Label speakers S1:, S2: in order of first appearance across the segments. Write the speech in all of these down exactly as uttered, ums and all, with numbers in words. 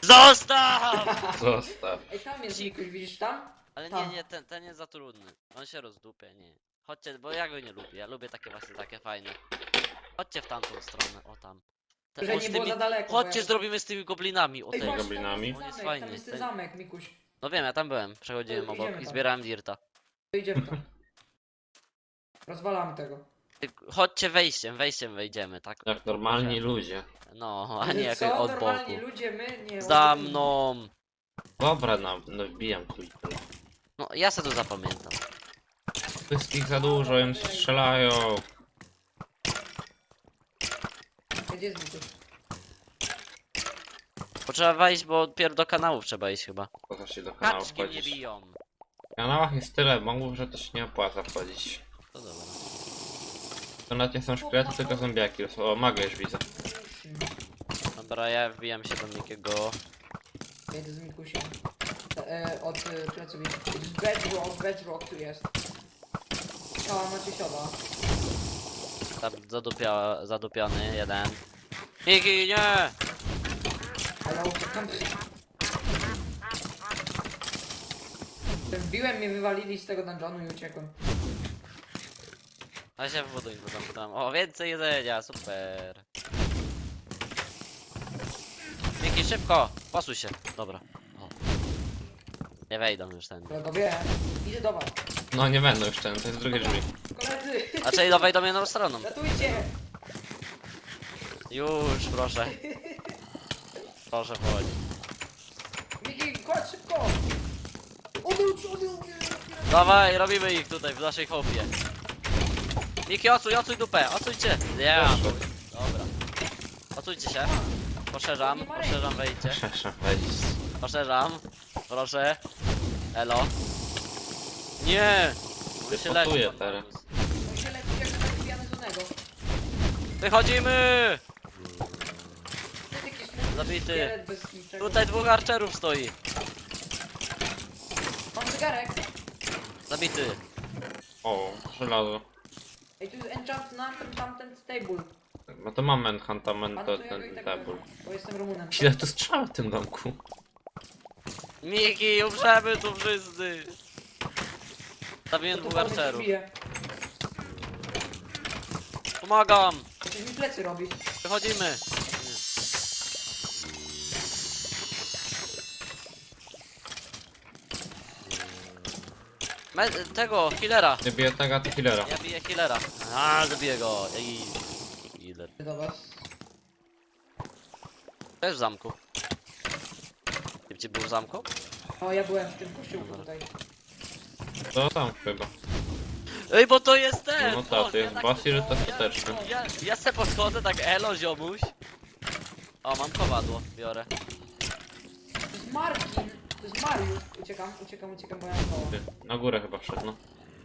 S1: Zostaw!
S2: Zostaw.
S3: Ej, tam jest Mikuś, widzisz tam?
S1: Ale nie,
S3: Tam.
S1: nie, ten, ten jest za trudny. On się rozdupie, nie. Chodźcie, bo ja go nie lubię. Ja lubię takie właśnie takie fajne. Chodźcie w tamtą stronę, o tam. Te,
S3: Że
S1: o,
S3: nie
S1: z
S3: było
S1: tymi...
S3: za daleko. bo
S1: Chodźcie,
S3: ja...
S1: zrobimy z tymi goblinami. O
S3: Ej,
S1: tej.
S3: właśnie,
S2: goblinami?
S3: tam
S1: On
S3: jest
S1: jest
S3: zamek,
S1: fajny,
S3: tam jest ten
S1: ten-
S3: zamek, Mikuś.
S1: No wiem, ja tam byłem. Przechodziłem
S3: To
S1: obok
S3: idziemy
S1: i
S3: tam.
S1: zbierałem dirta.
S3: To idziemy tam. Rozwalamy tego.
S1: Ty- Chodźcie wejściem, wejściem wejdziemy, tak?
S2: Jak normalni ludzie.
S1: No, a nie jak
S3: Co?
S1: od
S3: Normalni
S1: boku.
S3: ludzie, my nie.
S1: Za
S3: oni-
S1: mną!
S2: Dobra, no, no wbijam tu i tu.
S1: No, ja se to zapamiętam.
S2: Wszystkich za dużo, im strzelają.
S3: Gdzie jest Mikuś?
S1: Potrzeba wejść, bo dopiero do kanałów trzeba iść chyba.
S2: Po co się do kanału
S1: Kaczki mnie
S2: wchodzić?
S1: biją.
S2: W kanałach jest tyle mobów, że to się nie opłaca wchodzić.
S1: To dobra.
S2: To nawet nie są szkielety, tylko zombiaki. O, magę już widzę.
S1: Dobra, ja wbijam się do Mikiego.
S3: Jedę z Mikusiem. E, od e, pleców. jest Bedrock, bedrock tu jest. O, macie sioda.
S1: Tam zadupia, zadupiony jeden. Miki, nie!
S3: Ale uciekam. Wbiłem, mnie wywalili z tego dungeonu i uciekłem.
S1: A się w budynku tam, tam. O, więcej jedzenia, super. Miki, szybko! Posuj się. Dobra. O. Nie wejdą już ten.
S3: Kolegowie, idę do was.
S2: No nie będą już ten, to jest drugie drzwi.
S3: Koledzy,
S1: A czyli no wejdą jedną stroną.
S3: ratujcie!
S1: Już, proszę. Proszę, chodź.
S3: Miki, chodź szybko! Odwróć, odwróć!
S1: Dawaj, robimy ich tutaj w naszej chopie. Miki, ocuj, ocuj dupę, ocujcie. Nie,
S2: Proszę.
S1: dobra. Ocujcie się. Poszerzam, poszerzam wejście.
S2: Proszę wejść.
S1: Poszerzam. Proszę. Elo. Nie! On się leczy,
S2: Wypotuje
S1: pan
S2: teraz.
S1: Magus.
S3: On się leci jak taki pijany z onego.
S1: Wychodzimy!
S3: Ty taki smutny
S1: Zabity.
S3: szkielet bez niczego.
S1: Tutaj dwóch archerów stoi.
S3: Mam zegarek.
S1: Zabity.
S2: O, żelazo.
S3: Ej, tu jest enchant na ten tamten stable.
S2: No to mam enchantament,
S3: Pan
S2: to
S3: to ja
S2: ten
S3: go i tak
S2: tabul.
S3: wezmę, bo jestem Rumunem.
S2: Ile tu strzał w tym domku?
S1: Miki, umrzemy tu wszyscy. Zabiłem
S3: To tu
S1: dwóch
S3: pan mnie
S1: archerów.
S3: bije.
S1: Pomagam!
S3: Coś mi plecy robi.
S1: Wychodzimy. Me tego, healera.
S2: Nie bije tego, to killera.
S1: Ja biję healera. A, zabiję go. I... Healer.
S3: Do was.
S1: To jest w zamku. Gdzie był w zamku?
S3: O, ja byłem w tym kościółku
S1: Dobra.
S3: tutaj.
S2: To tam chyba.
S1: Ej, bo to jest ten!
S2: No tak,
S1: o,
S2: to jest
S1: tak-
S2: Basil, to
S1: ja-
S2: skuteczny.
S1: Ja, ja se podchodzę tak, elo ziomuś. O, mam kowadło, biorę.
S3: To jest Marcin. To jest Mariusz. Uciekam, uciekam, uciekam, bo ja mam koło.
S2: Ty, na górę chyba wszedł, no.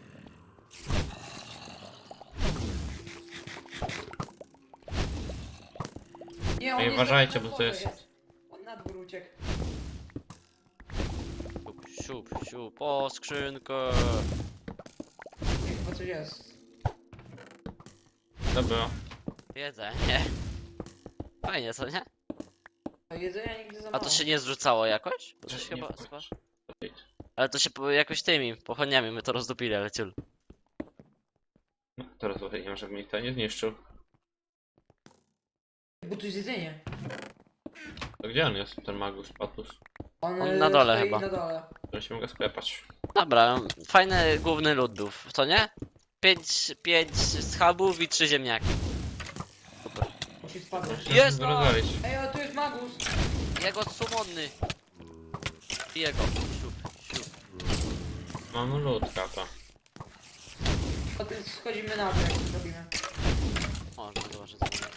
S3: Nie, on
S2: Ej,
S3: jest
S2: uważajcie,
S3: na
S2: bo to
S3: dworze
S2: jest-
S3: On na dwór uciekł.
S1: Siup, siup, siup, o, skrzynkę.
S3: Nie, chyba coś jest.
S2: To było.
S1: Jedzenie. Fajnie, co nie?
S3: A jedzenia nigdy za
S1: A
S3: mało.
S1: to się nie zrzucało jakoś? Bo to się
S2: Nie
S1: chyba...
S2: wchodź.
S1: chyba... Ale to się po- jakoś tymi pochodniami my to rozdupili, ale ciul.
S2: No, teraz nie wiem, żeby mi to nie zniszczył.
S3: Bo tu jest jedzenie.
S2: To gdzie on jest, ten magus, patus?
S3: On,
S1: On
S3: e,
S1: na dole
S3: stoi
S1: chyba.
S3: na dole.
S2: Musimy go sklepać.
S1: Dobra, fajny główny lud był, co nie? Pięć, pięć schabów i trzy ziemniaki. Super.
S3: Musi spadać.
S1: Jest!
S2: Musimy go rozwalić.
S3: Ej, o, tu jest magus.
S1: Jego sumodny. Jego. Siup, siup.
S2: Mamy ludka, to.
S3: O, tu schodzimy na dół, jak to zrobimy.
S1: Można zobaczyć co to jest.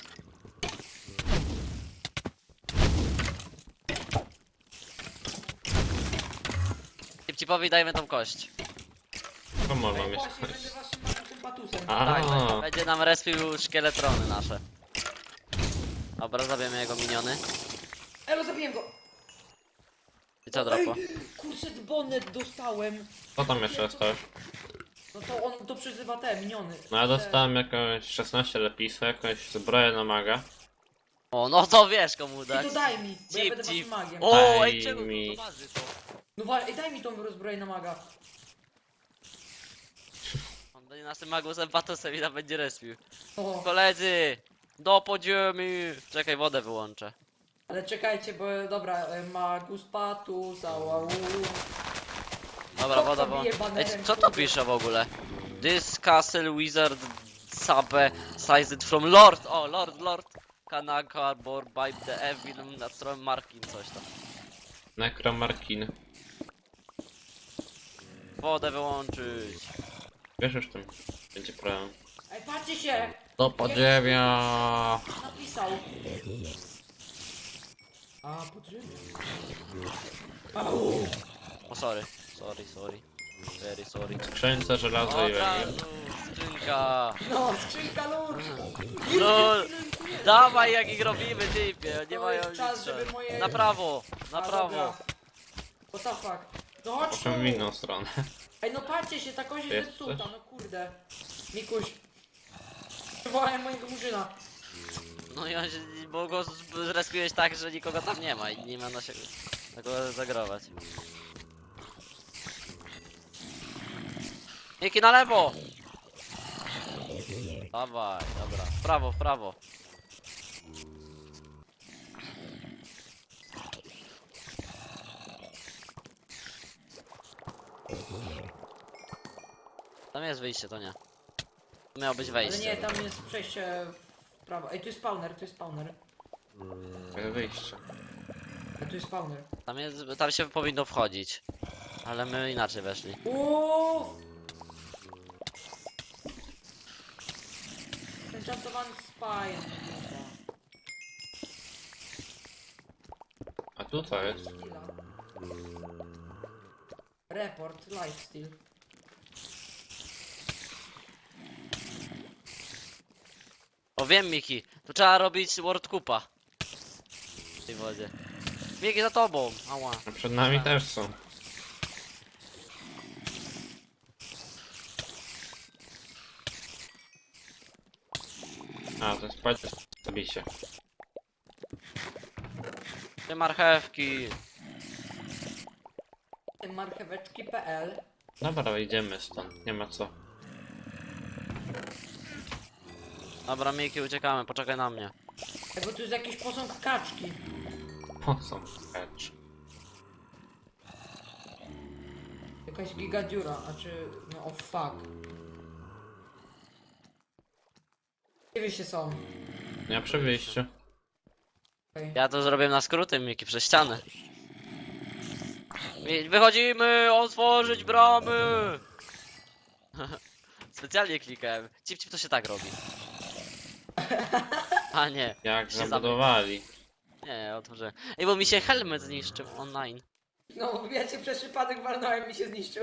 S1: Cipcipowi dajmy tą kość.
S2: To można
S3: Ej,
S2: mieć.
S3: właśnie, będę waszym magusem patusem.
S2: A.
S1: Tak, tak, będzie nam respił szkieletrony nasze. Dobra, zabijemy jego miniony.
S3: Elo, zabiję go.
S1: I co dropo?
S3: Ej, kurczę, bonet dostałem.
S2: Co tam jeszcze dostałeś?
S3: No to on to przezywa te miniony.
S2: No ja dostałem jakąś szesnaście lepisów, jakąś zbroję na maga.
S1: O, no to wiesz komu
S3: I
S1: dać.
S3: to daj mi, bo ja
S1: Cip,
S3: będę
S1: cip.
S3: waszym magiem.
S1: O,
S2: Daj
S1: ej, czego
S2: mi.
S1: to waży to?
S3: No wa- ej, daj mi tą rozbroję na maga.
S1: On będzie naszym magusem, patosem i tam będzie respił.
S3: O,
S1: Koledzy! Do podziemi! Czekaj, wodę wyłączę.
S3: ale czekajcie, bo dobra, e, magus patus, ałau.
S1: Dobra,
S3: Kto
S1: woda
S3: to
S1: wyłączę.
S3: bije
S1: Ej,
S3: banerem,
S1: co to
S3: kurde?
S1: pisze w ogóle? This castle wizard sabe sized from lord. O, lord, lord. Kanaka bor by the evil na stronie Markin coś tam.
S2: Nekromarkin.
S1: Wodę wyłączyć.
S2: Wiesz już tym. Będzie problem.
S3: Ej, patrzcie się!
S2: Do podziemia.
S3: Napisał. A, podziemia. Au!
S1: O, sorry. Sorry, sorry. Very sorry.
S2: Skrzynce, żelazo
S1: O,
S2: i
S1: od
S2: węgiel.
S1: razu, skrzynka.
S3: No, skrzynka lód!
S1: No, dawaj jak ich robimy, typie. Nie
S3: To
S1: mają
S3: jest czas,
S1: nic.
S3: żeby moje-
S1: Na prawo, na
S3: A,
S1: prawo.
S3: dobra. What the fuck? No chodź tu!
S2: Proszę w inną stronę.
S3: Ej, no patrzcie się, ta kość
S2: Jest
S3: jest zepsuta, no kurde. Mikuś. Przywołałem mojego murzyna.
S1: No i on się, bo go z- zrespiłeś tak, że nikogo tam nie ma i nie ma na siebie tego zagrować. Miki na lewo! Dawaj, dobra. W prawo, w prawo. Tam jest wyjście, to nie. To miało być
S3: Ale
S1: wejście.
S3: nie, tam jest przejście w prawo. Ej, tu jest spawner, tu jest spawner.
S2: Jest wyjście.
S3: Ej, tu jest spawner.
S1: Tam jest, tam się powinno wchodzić. Ale my inaczej weszli.
S3: Uuuu! Enchantowany spine.
S2: A tu co jest?
S3: Skilla. Report, lifesteal.
S1: O wiem Miki, tu trzeba robić World Cupa. W tej wodzie. Miki za tobą, ała.
S2: A przed nami też są. A, to jest patrz, zabicie.
S1: Te marchewki.
S3: marcheweczki kropka p l.
S2: Dobra, idziemy stąd, nie ma co.
S1: Dobra Miki, uciekamy, poczekaj na mnie.
S3: Ej, bo tu jest jakiś posąg kaczki.
S2: O, są kacz.
S3: Jakaś giga dziura, a czy... no o oh fuck. Gdzie wy się są?
S2: Ja przy wyjściu.
S3: Okej.
S1: Ja to zrobię na skróty Miki, przez ścianę. Mi- Wychodzimy, otworzyć bramy! Specjalnie klikałem. Cip, cip to się tak robi. A nie,
S2: Jak
S1: Się
S2: zabudowali.
S1: nie, otworzyłem. Ej, bo mi się helmet zniszczył online.
S3: No, ja cię przez przypadek walnąłem i się zniszczył.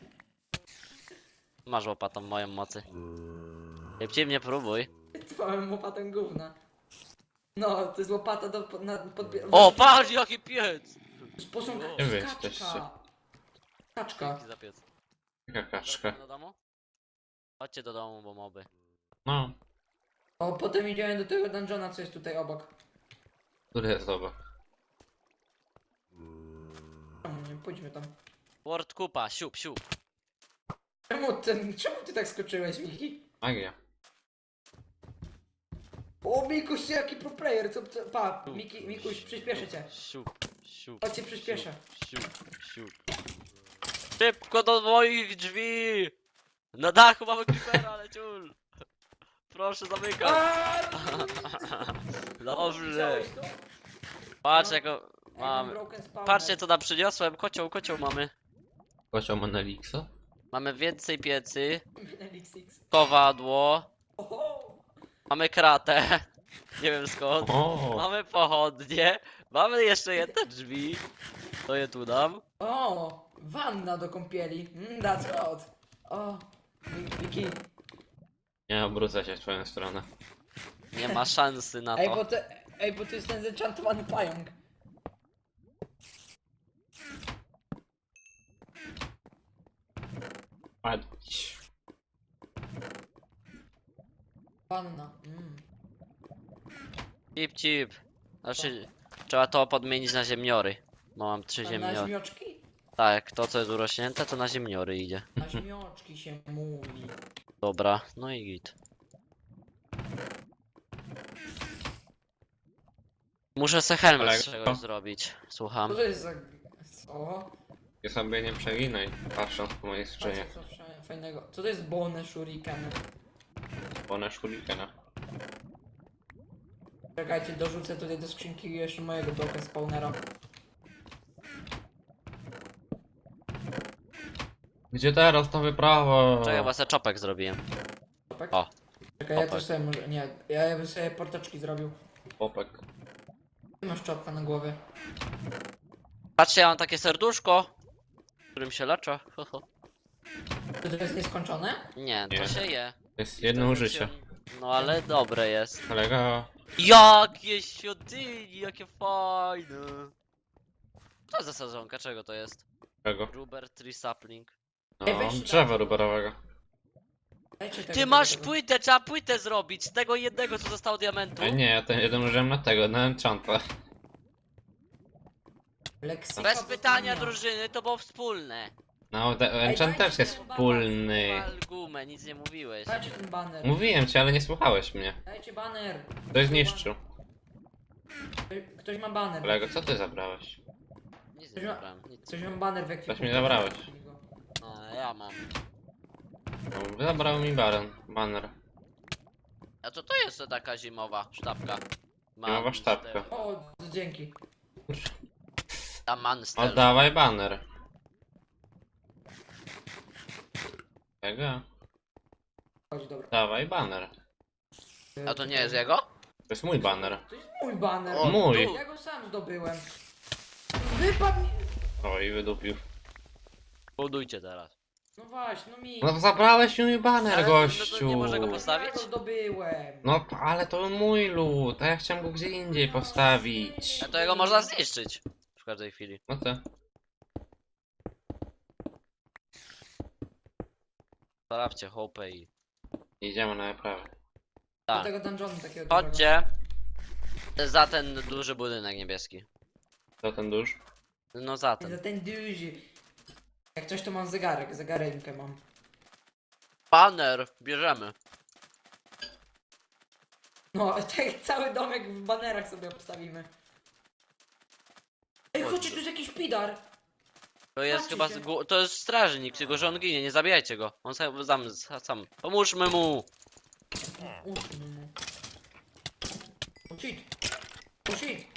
S1: Masz łopatą moją mocy. Szybciej mnie próbuj.
S3: Trwałem łopatą gówna. No, to jest łopata do... pod- na podbie...
S1: O, patrz jaki piec!
S3: Z posąg...
S1: Gdzie
S3: to
S2: wy
S3: jest
S2: jesteście?
S3: kaczka. Kaczka.
S1: Dzięki za piec.
S2: Jaka kaczka.
S1: Chodźcie do domu? Chodźcie do domu, bo moby.
S2: No,
S3: O, potem idziemy do tego dungeona, co jest tutaj obok.
S2: który jest obok.
S3: Czemu nie? Pójdźmy tam.
S1: World Cupa, siup, siup.
S3: Czemu ten... Czemu ty tak skoczyłeś, Miki?
S2: Magia.
S3: O, Mikuś, jaki pro player, co... co pa, Miki, Mikuś, przyspieszę cię.
S1: Siup, siup.
S3: Chodź cię przyspieszę.
S1: Siup, siup. Szybko do moich drzwi! Na dachu mamy creepera, ale ciul! Proszę zamykać.
S3: Aaaa!
S1: Dobrze.
S3: Widziałeś to?
S1: Patrz
S3: No.
S1: jako
S3: Ej, mam
S1: mamy.
S3: broken spawner.
S1: Patrzcie co nam przyniosłem. Kocioł, kocioł mamy.
S2: Kocioł Monelixa?
S1: Mamy więcej piecy.
S3: Elixix.
S1: Kowadło.
S3: Oho!
S1: Mamy kratę. Nie wiem skąd.
S2: O,
S1: Mamy pochodnie. Mamy jeszcze jedne drzwi. To je tu dam.
S3: O! Wanna do kąpieli. Mm, that's hot. O! Mi- Miki.
S2: nie obrócę się w twoją stronę.
S1: Nie ma szansy na
S3: Ej, bo
S1: to.
S3: to... Ej, bo to jest ten zenchantowany pająk.
S2: Patrz.
S3: Wanna. Mm.
S1: Cip, cip. Znaczy, trzeba to podmienić na ziemniory. Bo mam trzy
S3: Na
S1: ziemniory.
S3: ziemioczki?
S1: Tak, to co jest urośnięte, to na ziemniory idzie.
S3: Na ziemioczki się mówi.
S1: Dobra, no i git. Muszę se helmet
S2: Ale
S1: z
S2: co?
S1: czegoś zrobić. Słucham.
S3: Co to jest za... Co?
S2: Ja sobie nie przeginaj, patrząc po mojej skrzynie.
S3: Patrzcie, co fajne- fajnego. Co to jest bone shuriken?
S2: One shurikena.
S3: Czekajcie, dorzucę tutaj do skrzynki jeszcze mojego bloka spawnera.
S2: Gdzie teraz to wyprawa?
S1: Czekaj, bo se czopek zrobiłem.
S3: Czopek?
S1: O.
S3: Czekaj, ja
S1: Czopek.
S3: też sobie może... Nie, ja bym sobie portaczki zrobił.
S2: Popek.
S3: Ty masz czopka na głowie.
S1: Patrzcie, ja mam takie serduszko, którym się leczę. Ho, ho.
S3: Czy to jest nieskończone?
S1: Nie, to
S2: Nie.
S1: się je.
S2: To jest jedno
S1: Wtedy
S2: użycie.
S1: się- No ale dobre jest.
S2: Kolega,
S1: Jakie świątyni, jakie fajne. Co za sezonka, czego to jest?
S2: czego?
S1: Ruber Tree Sapling.
S3: Ej,
S2: No,
S3: weź się
S2: drzewa
S3: daj.
S2: ruberowego.
S3: Dajcie tego,
S1: Ty
S3: tego,
S1: masz
S3: tego.
S1: płytę, trzeba płytę zrobić z tego jednego co zostało diamentu.
S2: Ej, nie, ja ten jeden użyłem na tego, na enchanta.
S3: Leksyka
S1: Bez pytania
S3: poznania.
S1: drużyny, to było wspólne.
S2: No, de- enchant
S3: dajcie
S2: też jest
S3: ten
S2: wspólny.
S1: Wal gumę, nic nie mówiłeś.
S3: Dajcie ten baner.
S2: Mówiłem ci, ale nie słuchałeś mnie.
S3: Dajcie baner.
S2: Ktoś zniszczył.
S3: Ktoś- Ktoś ma baner.
S2: Kolego, co ty zabrałeś?
S1: Nic nie zabrałem, nic.
S3: Ktoś ma baner w ekwipunku.
S2: mi zabrałeś.
S1: A, ja mam.
S2: No, zabrał mi baron, banner.
S1: A co to jest to taka zimowa sztabka?
S2: Zimowa sztabka.
S3: O, dzięki.
S1: Ta manstel.
S2: Oddawaj banner. Czego?
S3: Chodź, dobra.
S2: Dawaj banner.
S1: A to nie jest jego?
S2: To jest mój banner.
S3: To jest mój baner.
S1: O,
S2: Mój.
S1: tu.
S3: Ja go sam zdobyłem. Wypadł mi...
S2: O, i wydupił.
S1: Budujcie teraz.
S3: No właśnie, no mi.
S2: No zabrałeś mi mój banner,
S1: Ale no to
S2: gościu.
S1: nie może go
S3: Ja
S1: postawić?
S3: go zdobyłem.
S2: No, ale to mój lód, a ja chciałem go gdzie indziej postawić.
S1: A to jego można zniszczyć. W każdej chwili.
S2: No to.
S1: Sprawdźcie hopę i...
S2: Idziemy na naprawę.
S3: Do
S1: Tak.
S3: tego dungeonu takiego dużego.
S1: Chodźcie. Za ten duży budynek niebieski.
S2: To ten dusz?
S1: No za
S3: Za
S1: ten.
S3: ten duży. Jak coś to mam zegarek, zegarenkę mam.
S1: Banner, bierzemy.
S3: No, tak cały domek w banerach sobie obstawimy. Ej, chodźcie, tu jest jakiś pidar.
S1: To jest
S3: Patrzcie
S1: chyba...
S3: się.
S1: z gó- To jest strażnik, tylko że on ginie, nie zabijajcie go. On sam, sam, sam. Pomóżmy mu.
S3: Uszmy mu. Oh shit. Oh shit.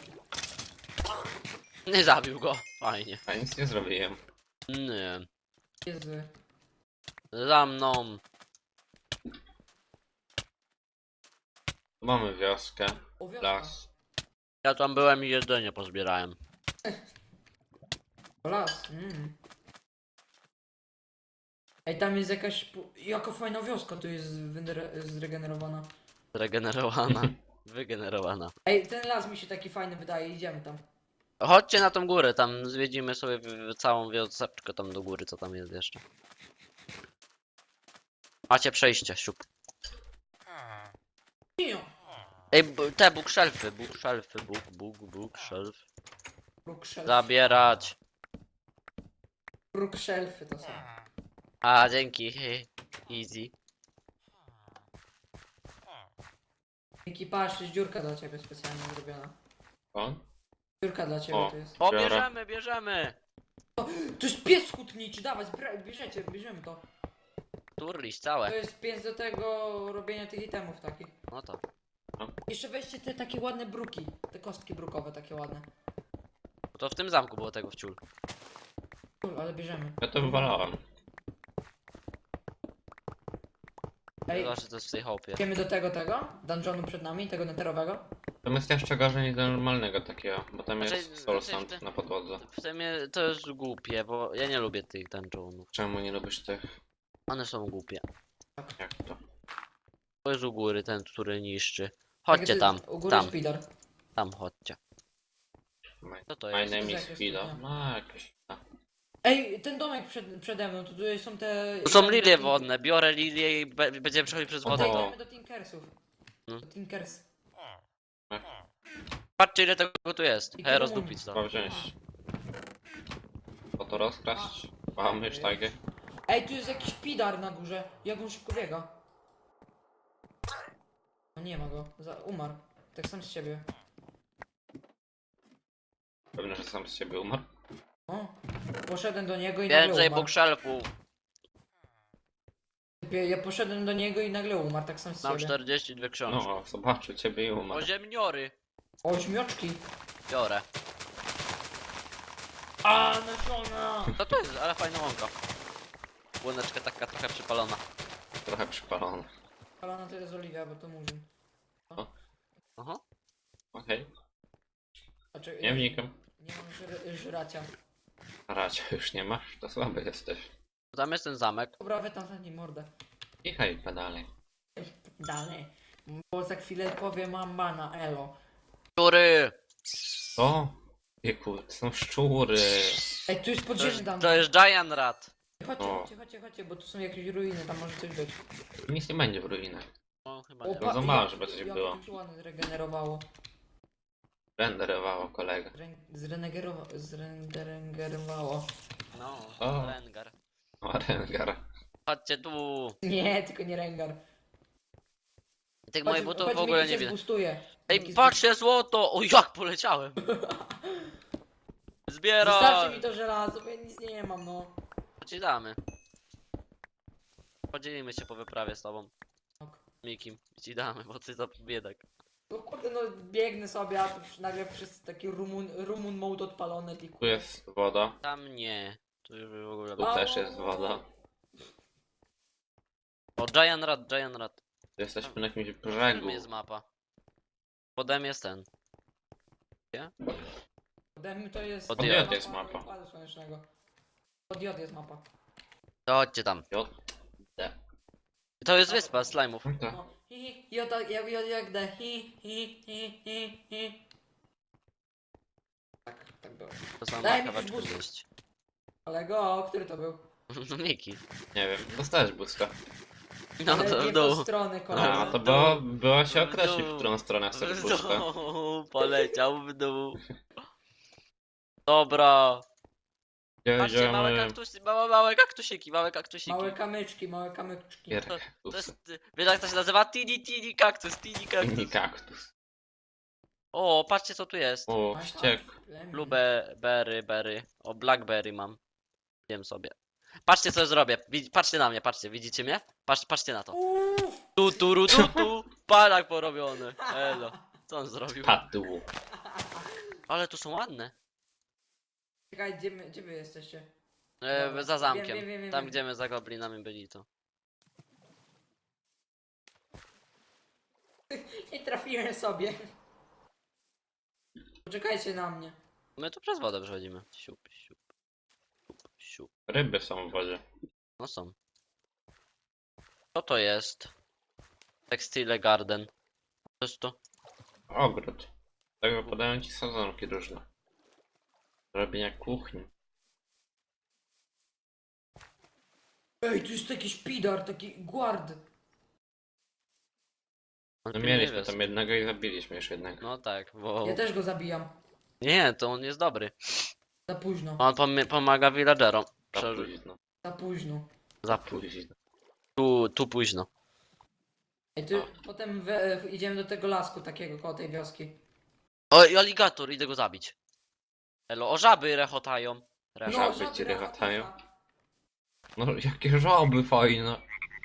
S1: Nie zabił go. Fajnie.
S2: A nic nie zrobiłem.
S1: Nie.
S3: Jezu.
S1: Za mną.
S2: Mamy wioskę,
S3: O, wiosna.
S2: las.
S1: Ja tam byłem i jedzenie pozbierałem.
S3: O, las. Mm. Ej, tam jest jakaś... pu- Jaka fajna wioska tu jest wyre- zregenerowana.
S1: Zregenerowana. Wygenerowana.
S3: Ej, ten las mi się taki fajny wydaje, idziemy tam.
S1: Chodźcie na tą górę, tam zwiedzimy sobie w, w całą wioseczkę tam do góry, co tam jest jeszcze. Macie przejście, siup.
S3: Cio.
S1: Ej, b- te bookshelfy, bookshelfy, book, book, bookshelf.
S3: Brookshelf.
S1: Zabierać.
S3: Brookshelfy to są.
S1: A, dzięki. Easy.
S3: Dzięki, patrz, to jest dziurka dla ciebie specjalnie zrobiona.
S2: On?
S3: Dziurka dla ciebie
S2: O.
S3: to jest.
S1: O,
S2: Biorę.
S1: bierzemy, bierzemy.
S3: To jest pies hutniczy, dawaj, zbra- bierzecie, bierzemy to.
S1: Turliś
S3: To
S1: całe.
S3: jest pies do tego robienia tych itemów takich.
S1: No to.
S3: Jeszcze weźcie te takie ładne bruki, te kostki brukowe takie ładne.
S1: To w tym zamku było tego wciul.
S3: Cool, ale bierzemy.
S2: Ja to wywalałem.
S3: Ej,
S1: Zobacz, to jest w tej hopie.
S3: idziemy do tego, tego? Dungeonu przed nami, tego netherowego?
S2: To jest jeszcze gorzej niż do normalnego takiego, bo tam
S1: Znaczy-
S2: jest soul
S1: znaczy
S2: sand
S1: w te-
S2: na podłodze.
S1: W sumie to jest głupie, bo ja nie lubię tych dungeonów.
S2: Czemu nie lubisz tych?
S1: One są głupie.
S2: Jak to?
S1: To jest u góry ten, który niszczy.
S3: Takie
S1: Chodźcie
S3: ty-
S1: tam,
S3: U góry
S1: tam,
S3: speeder.
S1: tam chodźcie.
S2: My,
S1: Co to
S2: my
S1: jest?
S2: name
S3: To
S2: is
S3: jest
S2: Fido.
S3: jakieś-
S2: No jakieś. no.
S3: Ej, ten domek przed, przede mną, to tutaj są te...
S1: Tu są
S3: idziemy do
S1: lilie
S3: Tink-
S1: wodne, biorę lilię i be będziemy przechodzić przez wodę.
S3: Okej,
S2: O.
S3: idziemy do Tinkersów.
S1: No.
S3: Do Tinkers.
S2: No
S1: Patrzcie ile tego tu jest.
S3: I
S1: Hej,
S3: tu
S1: rozdupić to.
S2: Trzeba wziąć. Po to rozkraść. Mamy sztagę.
S3: Ej, tu jest jakiś pidar na górze. Jak on szybko biega? No nie ma go. Za umarł. Tak sam z siebie.
S2: Pewnie, że sam z siebie umarł.
S3: O. Poszedłem do niego i nagle
S1: Więcej
S3: umarł.
S1: bookshelfów.
S3: Ja, ja poszedłem do niego i nagle umarł, tak sam z
S1: Mam
S3: siebie.
S1: czterdzieści dwie książki.
S2: No, zobaczył ciebie i umarł.
S1: Oziemniory.
S3: Ośmioczki.
S1: Biorę.
S3: A, nasiona!
S1: Co to jest? Ale fajna łąka. Łączka taka trochę przypalona.
S2: Trochę przypalony.
S3: Palana to jest oliwia, bo to murzyn.
S1: Aha.
S2: Okej,
S3: Znaczy,
S2: nie wnikam.
S3: Nie mam żr żracia.
S2: Racia już nie masz, to słaby jesteś.
S1: Tam jest ten zamek.
S3: Dobra, wy tam zamknij mordę.
S2: Kichaj pedale.
S3: Dalej. Bo za chwilę powiem mam mana, elo.
S1: Szczury!
S2: O! Wieku, to są szczury.
S3: Ej, tu jest
S1: To
S3: podziemny
S1: jest,
S3: dam.
S1: to jest Giant Rat.
S3: Chodźcie,
S2: O.
S3: chodźcie, chodźcie, chodźcie, bo tu są jakieś ruiny, tam może coś być.
S2: Nic nie będzie w ruinach.
S1: O, chyba
S3: O,
S1: nie.
S2: No za mało, żeby coś było.
S3: Jak to ładnie zregenerowało.
S2: Renderowało kolega.
S3: Zren- Zrenegerowało. Zrenderengerowało.
S1: No,
S2: O.
S1: Rengar.
S2: O, Rengar.
S1: Chodźcie tu.
S3: Nie, tylko nie Rengar.
S1: Tych moich
S3: Chodź-
S1: butów
S3: chodź,
S1: w ogóle
S3: Miki
S1: nie
S3: cię
S1: widzę.
S3: zboostuje.
S1: Ej,
S3: Miki
S1: patrzcie złoto! O, jak poleciałem!
S3: zboost-
S1: Zbieraj!
S3: Zostawcie mi to żelazo, bo ja nic nie mam, no.
S1: To ci damy. Podzielimy się po wyprawie z tobą.
S3: Ok.
S1: Mikim. I ci damy, bo ty to biedak.
S3: No kurde, no biegnę sobie, a tu przy- nagle wszyscy taki rumun, rumun mode odpalony, ty
S2: Tu jest woda.
S1: Tam nie. Tu już w ogóle...
S2: Tu też jest woda.
S1: O, Giant Rat, Giant Rat.
S2: Jesteśmy na jakimś
S1: W
S2: brzegu.
S1: którym jest mapa? Podem jest ten.
S3: Podem to jest...
S1: Od
S2: J jest mapa.
S3: Układu Słonecznego. Pod J jest mapa.
S1: To chodźcie tam.
S2: J. D.
S1: To jest wyspa slajmów.
S2: No to.
S3: No, hi, hi, J, J, J, jak D, hi, hi, hi, hi, hi. Tak, tak było.
S1: To są
S3: Daj mi
S1: kawałeczki
S3: boost.
S1: zjeść.
S3: Kolego, który to był?
S1: No Miki.
S2: Nie wiem, dostałeś boosta.
S1: No
S3: Ale
S1: to
S3: nie
S1: w
S3: w tą
S1: dół.
S3: stronę, kolego.
S2: A, to
S1: w
S2: było,
S1: dół.
S2: było się
S1: W
S2: określić,
S1: dół.
S2: w którą stronę chcesz
S1: W
S2: boosta.
S1: dół. Poleciał w dół. Dobra. Patrzcie, małe
S2: Jedziemy.
S1: kaktusy, małe, małe kaktusiki, małe kaktusiki.
S3: Małe kamyczki, małe kamyczki.
S2: Gierka.
S1: To jest, wiesz jak to się nazywa? Tini tini kaktus, tini kaktus.
S2: Mini kaktus.
S1: O, patrzcie co tu jest.
S2: O,
S3: Małe
S2: wściek.
S3: plemię.
S1: Lubię berry, berry. O, blackberry mam. Wiem sobie. Patrzcie co zrobię. Widz- Patrzcie na mnie, patrzcie, widzicie mnie? Patrz, patrzcie na to.
S3: Uff.
S1: Tu, tu, ru, tu, tu. Palak porobiony. Elo. Co on zrobił?
S2: Padł.
S1: Ale tu są ładne.
S3: Czekaj, gdzie, my, gdzie wy jesteście?
S1: E,
S3: Dobra,
S1: za
S3: wiem,
S1: zamkiem.
S3: wiem, wiem, wiem,
S1: Tam
S3: wiem.
S1: gdzie my za goblinami byli to.
S3: Nie trafiłem sobie. Poczekajcie na mnie.
S1: My tu przez wodę przechodzimy. Siup, siup. Siup, siup.
S2: Ryby są w wodzie.
S1: No są. Co to jest? Textile Garden. Co jest to?
S2: Ogród. Z tego podają ci sadzonki różne. Do robienia kuchni.
S3: Ej, tu jest jakiś pidar, taki guard.
S1: On
S2: No
S1: tu
S2: mieliśmy
S1: nie jest.
S2: tam jednego i zabiliśmy już jednego.
S1: No tak, bo...
S3: Ja też go zabijam.
S1: Nie, to on jest dobry.
S3: Za późno.
S1: On pom pomaga villagerom.
S2: Za
S1: Przeżyć.
S2: późno.
S3: Za późno.
S1: Za
S2: Późno.
S1: tu, tu późno.
S3: Ej, tu, potem we, w, idziemy do tego lasku takiego koło tej wioski.
S1: O, i aligator, idę go zabić. Elo, o żaby rechotają. Re
S2: Żaby
S3: żaby
S2: ci
S3: rechatają.
S2: rechatają. No jakie żaby fajne.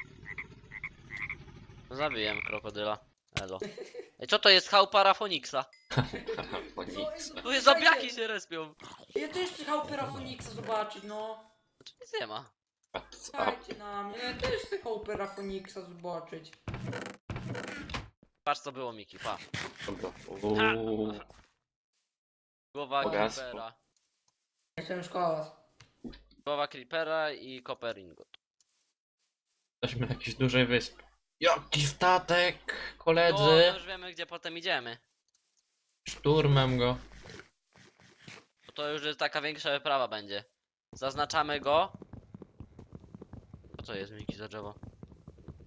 S1: Zabiłem krokodyla. Elo. Ej, co to jest chałupa Rafoniksa?
S2: Parafoniksa.
S1: Tu jest zabiaki się respią.
S3: Ja też chcę chałupy Rafoniksa zobaczyć, no.
S1: Tu nic nie ma.
S2: What's up?
S3: Czekajcie na mnie, ja też chcę chałupy Rafoniksa zobaczyć.
S1: Patrz co było Miki, pa.
S2: Dobra. Uuu.
S1: Głowa
S2: Bogactwo.
S1: creepera.
S3: Jestem szkoła.
S1: Głowa creepera i copper ingot.
S2: Jesteśmy na jakiejś dużej wyspie. Jaki statek,
S1: O, no
S2: koledzy!
S1: już wiemy gdzie potem idziemy.
S2: Szturmem go.
S1: Bo to już jest taka większa wyprawa będzie. Zaznaczamy go. Co to jest Miki za drzewo?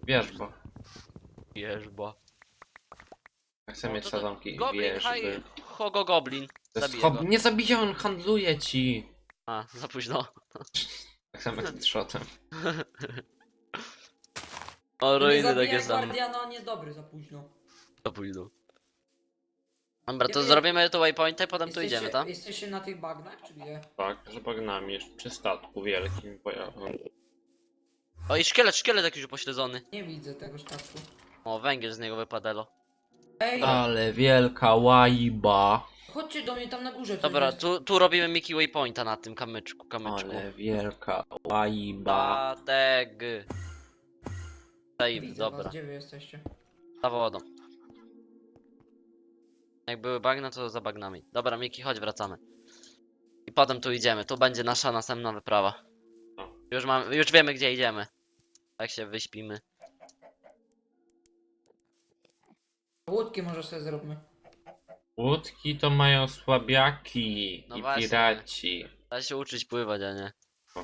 S2: Wierzba.
S1: Wierzba.
S2: Ja chcę
S1: O,
S2: mieć
S1: to to-
S2: sadzonki i
S1: Goblin
S2: wierzby.
S1: high, Hogo Goblin.
S2: To jest
S1: Zabiję
S2: hob...
S1: go.
S2: Nie zabija, on handluje ci.
S1: A, za późno.
S2: Tak samo jak z shotem.
S1: O,
S3: To nie
S1: ruiny
S3: zabija
S1: takie same.
S3: Guardiana, on jest dobry za późno.
S1: Za późno. Dobra, to
S3: Ja-
S1: zrobimy tu waypointa i potem tu
S3: Jesteście-
S1: idziemy, tak?
S3: Jesteście na tych bagnach, czy gdzie?
S2: Tak, że bagnami jeszcze przy statku wielkim pojawem.
S1: O, i szkielet, szkielet jakiś upośledzony.
S3: Nie widzę tego statku.
S1: O, węgiel z niego wypadło.
S3: Ej,
S2: Ale wielka łajba.
S3: chodźcie do mnie tam na górze. coś
S1: Dobra,
S3: jest.
S1: tu, tu robimy Mickey Waypointa na tym kamyczku, kamyczku.
S2: Ale wielka łajba.
S1: Statek. Save,
S3: Widzę
S1: dobra.
S3: was, gdzie wy jesteście?
S1: Za wodą. Jak były bagna, to za bagnami. Dobra, Miki, chodź, wracamy. I potem tu idziemy. Tu będzie nasza następna wyprawa.
S2: No.
S1: Już mamy, już wiemy, gdzie idziemy. Tak się wyśpimy.
S3: Łódki może sobie zróbmy.
S2: Łódki to mają słabiaki
S1: No
S2: i
S1: właśnie.
S2: piraci.
S1: Trzeba się uczyć pływać, a nie.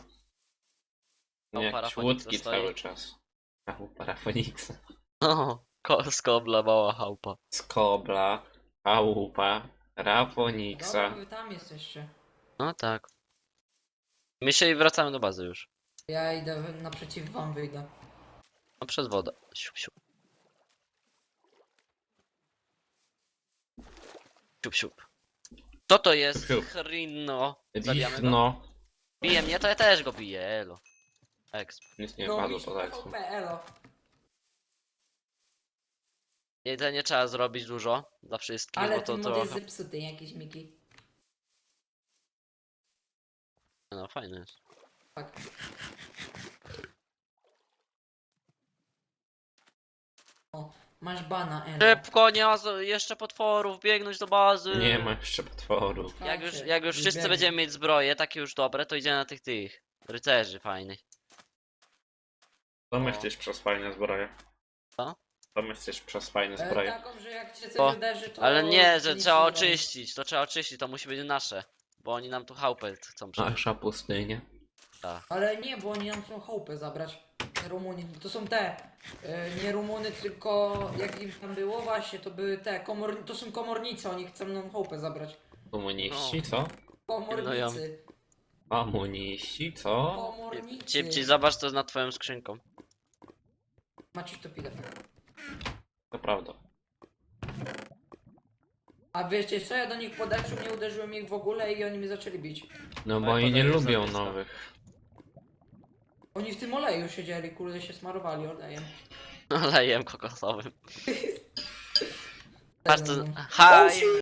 S2: Nie
S1: O,
S2: jakieś
S1: parafonik
S2: łódki
S1: stoi.
S2: cały czas. A u parafoniksa.
S1: No, ko- skobla, mała chałupa.
S2: Skobla, chałupa, rafoniksa.
S3: Dobra, wy tam jesteście.
S1: No tak. My się i wracamy do bazy już.
S3: Ja idę wy- naprzeciw wam wyjdę.
S1: No przez wodę. Siup, siup. Siup, siup. Co to jest?
S2: Siup.
S1: Hrino. Zabijamy go?
S2: Wichno.
S1: Bije mnie, to ja też go biję, elo. Exp.
S2: Nic nie
S3: No,
S2: padło
S3: mi
S2: po
S3: się
S2: tak.
S3: P V P, elo.
S1: Jedzenie trzeba zrobić dużo dla wszystkich,
S3: Ale
S1: bo to
S3: ten mod jest
S1: trochę.
S3: zepsuty, jakiś Miki.
S1: No fajny jest.
S3: Tak. O, masz bana, elo.
S1: Szybko, nie ma z- jeszcze potworów, biegnąć do bazy.
S2: Nie ma jeszcze potworów.
S1: Jak już,
S3: Słuchajcie,
S1: jak już wszyscy
S3: biegnie.
S1: będziemy mieć zbroje, takie już dobre, to idziemy na tych tych rycerzy fajnych.
S2: To my
S1: O.
S2: chcesz przez fajne zbroje.
S1: Co?
S2: To my chcesz przez fajne
S3: E,
S2: zbroje.
S3: taką, że jak cię coś
S1: O,
S3: uderzy, to...
S1: Ale nie, że
S3: nic
S1: trzeba
S3: nie robi.
S1: oczyścić, to trzeba oczyścić, to musi być nasze. Bo oni nam tu chałupę chcą przenieść.
S2: Nasza pustynia.
S3: Ale nie, bo oni nam chcą chałupę zabrać. Te Rumuny, to są te. e, nie Rumuny, tylko jak im tam było właśnie, to były te. Komor... To są komornicy, oni chcą nam chałupę zabrać.
S2: Komuniści,
S1: No.
S2: co?
S3: Komornicy.
S2: Komuniści, co?
S3: Komornicy.
S1: Cipci, zobacz to nad twoją skrzynką.
S3: Maciuś to pile.
S2: To prawda.
S3: A wiecie co, ja do nich podeszłem, nie uderzyłem ich w ogóle i oni mnie zaczęli bić.
S2: No bo
S1: Ale
S2: oni nie
S1: podaję
S2: lubią
S1: zapis, no.
S2: nowych.
S3: Oni w tym oleju siedzieli, kurde się smarowali olejem.
S1: Olejem kokosowym. Patrz to.
S3: Ten-
S1: Hi!